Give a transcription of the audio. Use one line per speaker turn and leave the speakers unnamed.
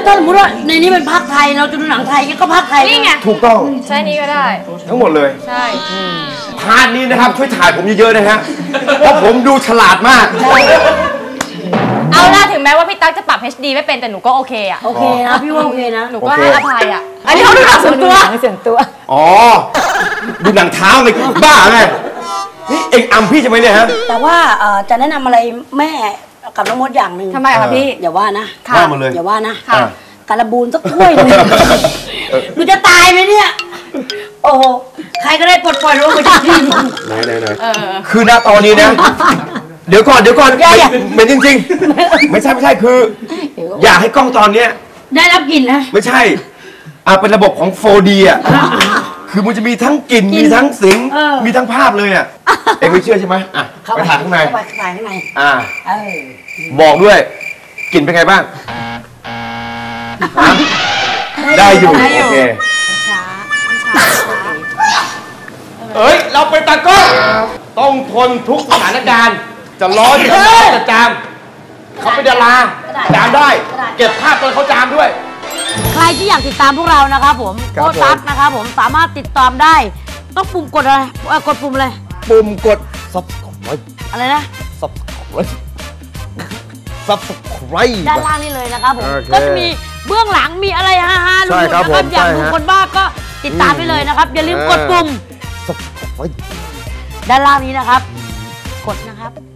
ถ้าสมมติว่าในนี้เป็นภาคไทยเราจะดูหนังไทยก็ภาคไทยนี่ไง
ถูกต้อง
ใช่นี้ก็ได้
ทั้งหมดเลย
ใช่
พาร์ทนี้นะครับช่วยถ่ายผมเยอะๆนะฮะเพราะผมดูฉลาดมาก
เอาล่ะถึงแม้ว่าพี่ตั๊กจะปรับ HD ไม่เป็นแต่หนูก็โอเคอะ
โอเคนะพี่ว่าโอเคนะ
หนูก็ให้อภัยอะอันนี้เขาดูหนังส่วนตัว
อ๋อดูหนังเท้าไงบ้าไงนี่เอ็งอำพี่ใช่ไหมเนี่ยฮะ
แต่ว่าจะแนะนำอะไรแม่กับน้องมดอย่างหนึ่ง
ทำไมคะพี่
อย่าว่านะ
ว่ามาเลย
อย่าว่านะการบูนสักถ้วยนึงกูจะตายไหมเนี่ยโอ้โหใครก็ได้ปลดปล่อยรู้ว่าจะทีม
ไหนคือณตอนนี้นะเดี๋ยวก่อนเหม็นจริงๆไม่ใช่คืออยากให้กล้องตอนเนี้ย
ได้รับกลิ่นนะ
ไม่ใช่เป็นระบบของ 4D อ่ะคือมันจะมีทั้งกลิ่นมีทั้งเสียงมีทั้งภาพเลยอ่ะเอ็งไม่เชื่อใช่ไหมไปถ่ายข้างในบอกด้วยกลิ่นเป็นไงบ้างได้อยู่โอเคเอ้ยเราเป็นตากล้องต้องทนทุกสถานการณ์จะร้อนจะจามเขาเป็นดาราจามได้เก็บภาพตอนเขาจามด้วย
ใครที่อยากติดตามพวกเรานะครับผมโค้ชตั๊กนะครับผมสามารถติดตามได้ต้องปุ่มกดอะไรกดปุ่มอะไร
ปุ่มกด subscribe
อะไรนะ
subscribe
ด้านล่างนี่เลยนะครับผมก็จะมีเบื้องหลังมีอะไรฮาๆลุ้นๆนะครับอยากดูคนบ้าก็ติดตามไปเลยนะครับอย่าลืมกดปุ่ม
subscribe
ด้านล่างนี้นะครับกดนะครับ